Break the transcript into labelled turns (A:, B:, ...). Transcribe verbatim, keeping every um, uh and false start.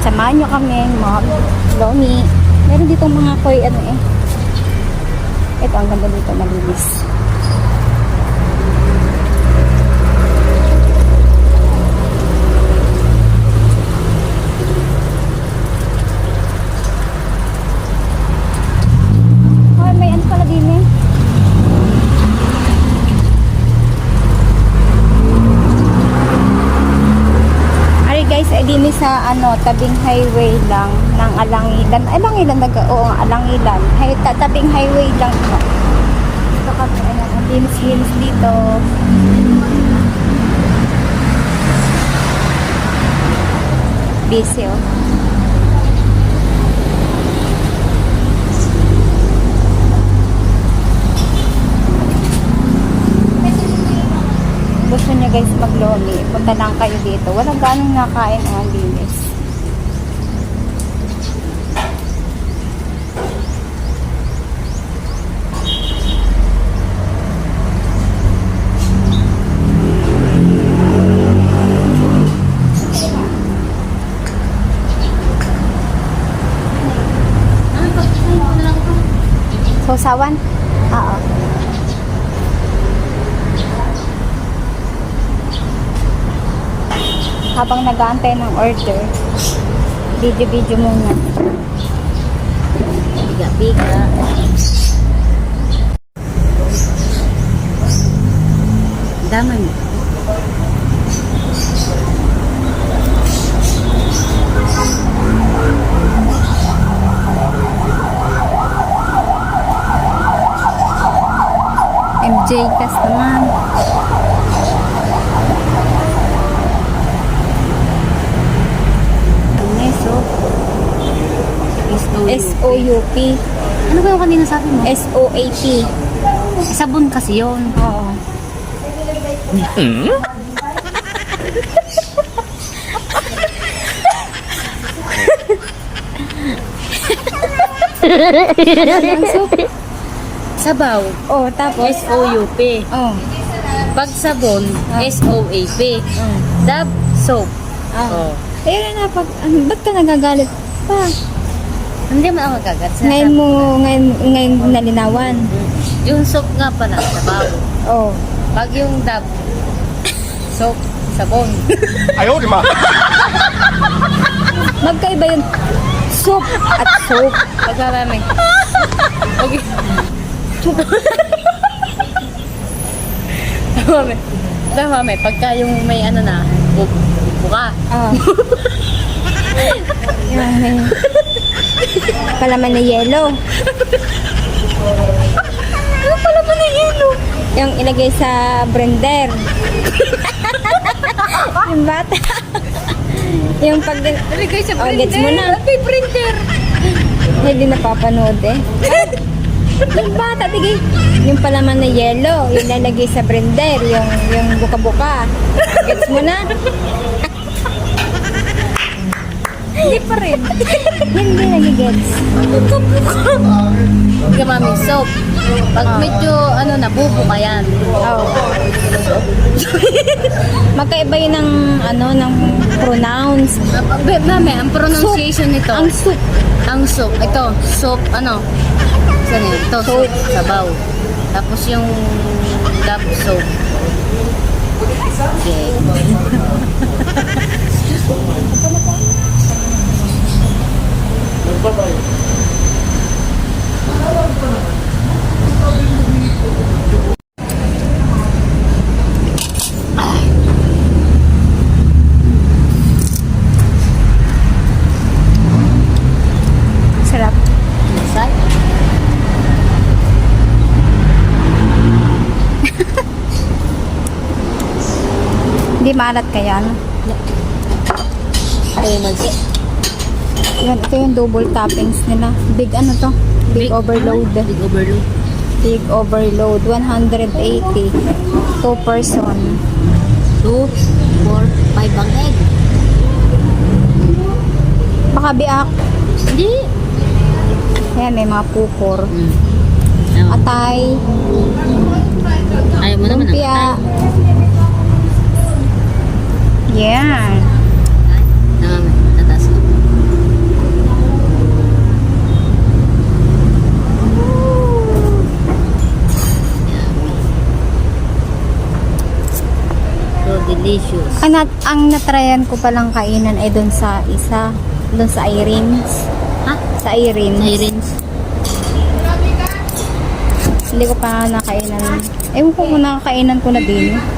A: samahan nyo kami mag-lomi. Meron ditong mga koy, ano eh. Ito, ang ganda dito, malinis. Oh, may ano pala din eh. Guys, ay din sa ano, tabing highway lang ng Alangilan. Alangilan nag oo, Alangilan. Hay tabing highway lang ito. Ito kami, ayan, ang linis-linis dito. Busy oh. Gusto nyo guys mag-lomi, punta lang kayo dito. Walang ganong nakain ang linis. Sausawan? Oo. Habang nag-aantay ng order, video-video muna. Biga-biga. Dami mo. M J Kas naman. S O U P.
B: Ano ba yung kanina sabi mo?
A: S O A P.
B: Sabon kasi yun.
A: Oo.
B: Hmm? Sabaw.
A: Oh, tapos
B: S O U P.
A: oh.
B: Pag sabon,
A: Ah.
B: S O A P.
A: Oh.
B: Dab, soap.
A: Ah.
B: Oh.
A: Ayun na pag ano, ba't ka nagagalit pa?
B: Hindi man ako kagat.
A: Ngayon mo, ngayon, ngayon nalinawan.
B: Yung soap nga pala, sabaw.
A: Oh.
B: Pag yung dab, soap, sabon.
C: Ayaw, di ma.
A: Magkaiba yung soup at soap.
B: Pagkarami. Okay. Tama, may. Tama, may. Pagka yung may ano na, bu- buka.
A: Ah. Yan, may palaman na yelo.
B: Ano palaman na yelo?
A: Yung ilagay sa blender. Yung bata. Yung pag...
B: Nalagay sa
A: Oh,
B: printer.
A: gets mo na.
B: May printer.
A: Hindi napapanood eh. Yung bata, tigay. Yung palaman na yelo, yung lalagay sa blender, yung, yung buka-buka. Gets mo na? Hindi pa rin. Hindi nagigets.
B: Buka-buka. Hindi ka mami, soap. Pag
A: Ah.
B: medyo, ano na, bubuka yan.
A: Oh. Magkaiba yun ng, ano, ng pronounce.
B: Ah, be- Mami, ang pronunciation nito.
A: Ang soup.
B: Ang soup. Ito, soup, ano? Saan yun? Ito, soup, sabaw. Tapos yung dab soap. Okay.
A: Sarap.
B: Masay.
A: Hindi maalat kaya, no?
B: Ay, mansi.
A: Yan, ito yung double toppings nila. Big ano to? Big, overload.
B: Big overload.
A: Big overload. one hundred eighty. Two person.
B: Two, four, five ang egg.
A: Baka biak.
B: Hindi.
A: Ayan, may mga pupor.
B: Hmm. Ayaw.
A: Atay.
B: Ayaw mo naman ang
A: Lumpia.
B: atay.
A: Yan.
B: Tama, tataas ko.
A: Ang, nat ang natryan ko palang kainan ay doon sa isa. Doon sa Irene's.
B: Ha?
A: Sa Irene's.
B: Irins.
A: Hindi ko pa nakainan. Ewan ko kung nakakainan ko na din.